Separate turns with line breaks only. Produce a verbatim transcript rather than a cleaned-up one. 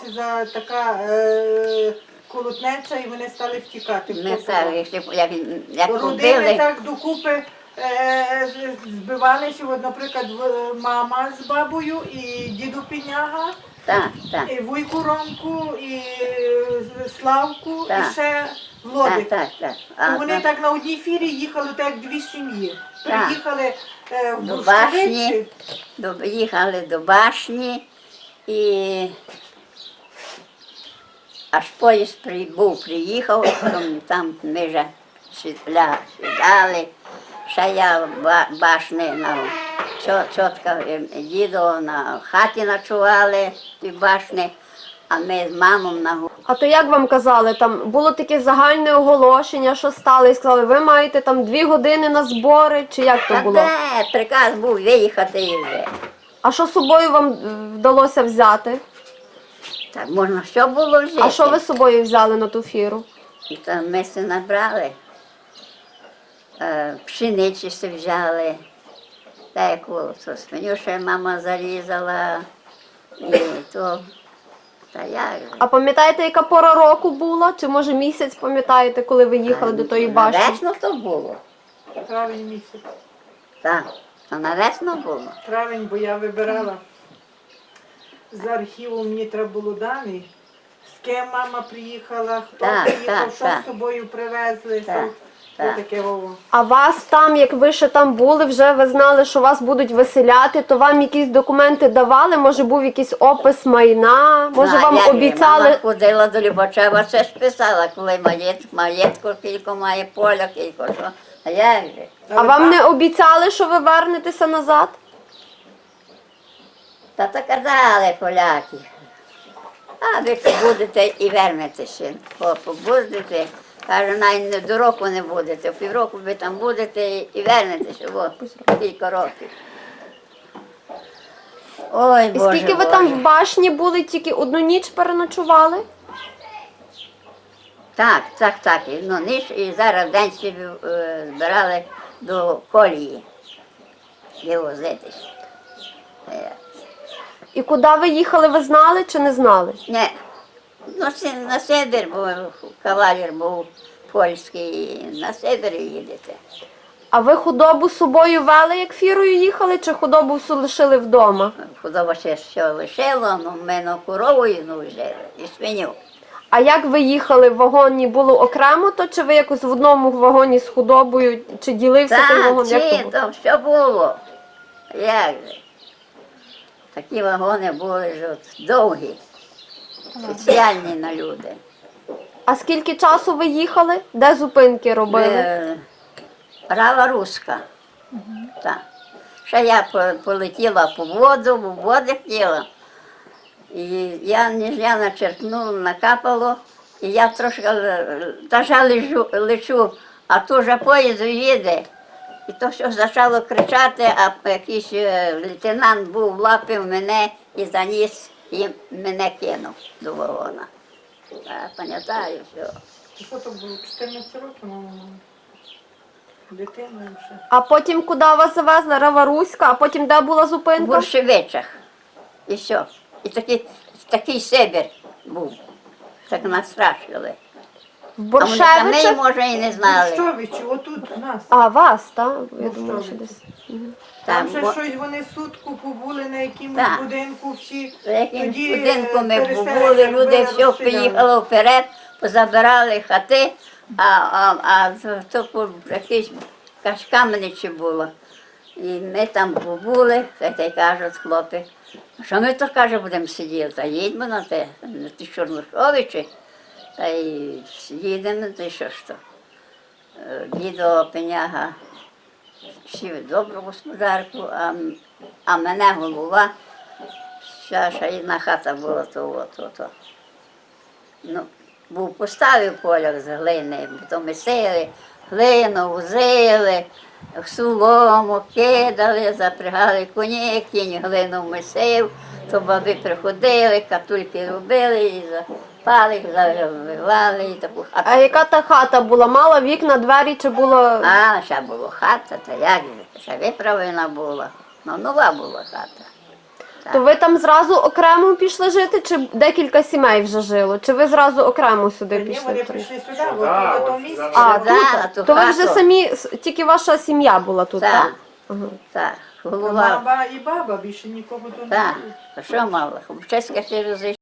почалася за така е, колотнеча, і вони стали втікати.
Ми стали, як, як, як
родини
побили.
так докупи е, збивалися, от, наприклад, в- мама з бабою і діду Піняга,
Так, так.
і вуйку Ромку, і е, Славку,
Так.
і ще
Так,
Владик.
так, так.
І
А,
вони так на одній фірі їхали, так як дві сім'ї.
Так.
Приїхали е, в
До
Бурштовиці.
башні, до, їхали до башні і аж поїзд прибув, приїхав, там, там ми вже сідля- сідали, ще я в ба- башні на чотка дідо на хаті ночували в тій башні, а ми з мамою на горі.
А то як вам казали, там було таке загальне оголошення, що стало, і сказали, ви маєте там дві години на збори, чи як то
Та
було?
де приказ був виїхати і вже.
А що з собою вам е, вдалося взяти?
Так можна що було жити?
А що ви з собою взяли на ту фіру?
І там ми все набрали, е, пшениці все взяли, таку то свиню ще мама зарізала, і то, та як же.
А пам'ятаєте, яка пора року була? Чи може місяць пам'ятаєте, коли ви їхали до тої башні?
На весну то було,
Травень місяць.
так, то на весну було.
Травень, бо я вибирала з архіву, мені треба було дані. З ким мама приїхала, хто
Так,
приїхав,
так,
що
так.
з собою привезли,
Так,
що
так.
таке вово.
А вас там, як ви ще там були, вже ви знали, що вас будуть виселяти, то вам якісь документи давали? Може був якийсь опис майна? Може
Так,
вам
як же,
обіцяли?
Мама ходила до Любачева, це ж писала, коли маєтку, маєтку кілько має, поля кілько, що. А як же?
А вам не обіцяли, що ви вернетеся назад?
Та то казали поляки. А ви будете і вернетеся. Побудете, каже, навіть не до року не будете, півроку ви там будете і вернетеся, бо кілька років. Ой,
І
Боже,
скільки ви
Боже.
там в башні були, тільки одну ніч переночували?
Так, так, так. І, ну, ніч, і зараз день ще е, збирали до колії вивозитись. Е,
І куди ви їхали, ви знали чи не знали?
Не, ну, си- на Сибір, бо кавалер був польський, і на Сибір їдете.
А ви худобу з собою вели, як фірою їхали, чи худобу всю лишили вдома?
Худоба ще що лишило, ну, ми на корову ну, жили, і свиню.
А як ви їхали в вагоні? Було окремо то, чи ви якось в одному вагоні з худобою, чи ділився той
Так,
вагон? Як то
чи,
було?
то що було? Як же? Такі вагони були ж от довгі, спеціальні на люди.
А скільки часу ви їхали? Де зупинки робили?
Е, Права руська. Так. Ще я по- полетіла по воду, в воду хотіла. І я ніж я начерпнула, накапало, і я трошки е, та ж лежу, лечу, а то вже поїзд їде. І то все почало кричати, а якийсь е, лейтенант був, лапив мене і заніс, і мене кинув до вагона. Я пам'ятаю все.
Що то було? чотирнадцять років, мама. Дитина ще.
А потім куди вас завезли? Раваруська, а потім де була
В
зупинка?
Буршевичах. І все. І такий, такий Сибір був. Так нас страшили.
В
А вони самі,
Боршевичах?
може, і не знали.
Борщовичі, отут у нас.
А, вас, так? Я думала, що
Борщовичі.
десь.
Там
Там,
ще
бо-
щось вони сутку побули на якомусь
Так.
будинку всі.
За яким
Тоді,
будинку
е,
ми
переселення
були, люди
робили,
все
розстріляли.
поїхало вперед, позабирали хати, а, а, а то по- якісь каменичі було. І ми там побули, та й кажуть хлопці, що ми то, каже, будемо сидіти, та їдьмо на те, на ті Чорношовичі, та й їдемо, та й що ж то. Е, Дідо Пеняга сів добру господарку, а, м- а мене голова. Ще, ще одна хата була, то от, от, от. Ну, був поставив поляк з глини, то ми сили, глину возили, солому кидали, запрягали коні, кінь глину месив, то баби приходили, катульки робили і запали, завивали і таку хату.
А яка та хата була? Мала вікна, двері чи було?
А, ще була хата, та як же, ще виправлена була, ну нова була хата.
То ви там зразу окремо пішли жити, чи декілька сімей вже жило? Чи ви зразу окремо сюди
Ні,
пішли?
вони прийшли сюди,
Сюди,
от, в
от
тому місці.
сюди.
А,
Да,
тут?
ту
То ви вже
хату.
самі, с- тільки ваша сім'я була тут, так?
Так,
Ага.
так, голова.
Мама і баба, більше нікого тут не
Так,
було.
а що мало? Чеська ще розійшла.